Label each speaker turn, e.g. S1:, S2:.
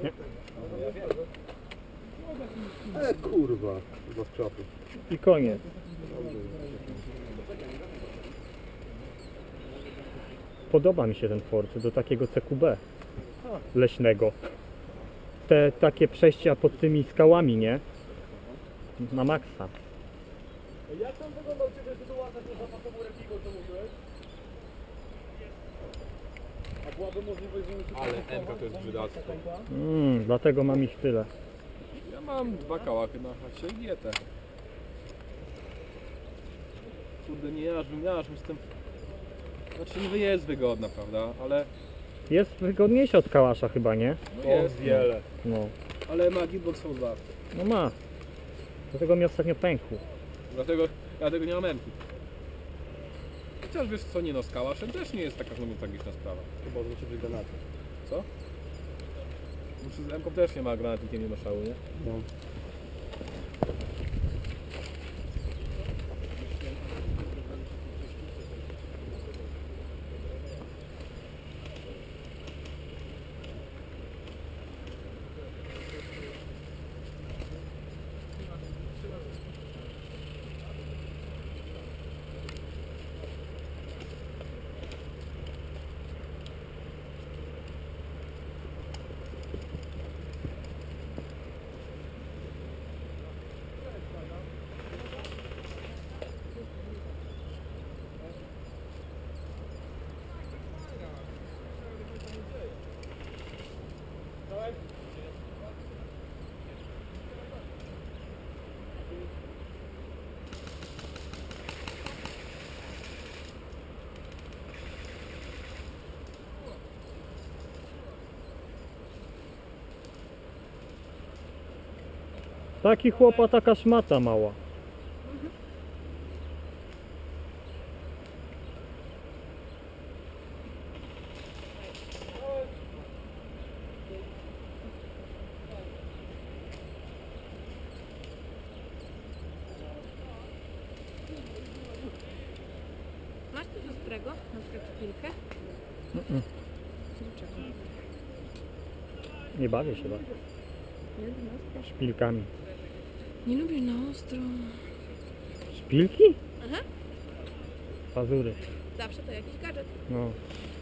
S1: Nie.
S2: Kurwa, do skrzatu.
S1: I koniec. Podoba mi się ten Ford do takiego CQB leśnego. Te takie przejścia pod tymi skałami, nie? Na maksa.
S2: Jak tam wyglądał Ciebie sytuacja z zapasową Repigo, co mówiłeś? A byłaby możliwość, że...
S3: Ale MK to jest brzydactwo.
S1: Dlatego mam ich tyle.
S3: Ja mam 2 kałachy na chacie i dietę. Kurde, nie jarzmy z tym... Znaczy niby jest wygodna, prawda? Ale...
S1: Jest wygodniejsza od Kałasza chyba, nie?
S3: No jest wiele.
S1: No.
S3: Ale ma Gitbox V2.
S1: No ma. Dlatego mi ostatnio pękł.
S3: Dlatego nie mam MK. Chociaż wiesz co, nie no, z Kałaszem też nie jest taka znowu tragiczna sprawa.
S2: Chyba zwrócić być granaty.
S3: Co? Z MK też nie ma granatnikiem, nie ma szału, nie?
S2: No.
S1: Taki chłopa, taka szmata mała.
S4: Masz coś ostrego? Na przykład szpilkę? Dlaczego?
S1: Nie bawię się tak.
S4: Nie lubisz na ostro?
S1: Szpilkami.
S4: Nie lubisz na ostro.
S1: Szpilki?
S4: Aha.
S1: Pazury.
S4: Zawsze to jakiś gadżet.
S1: No.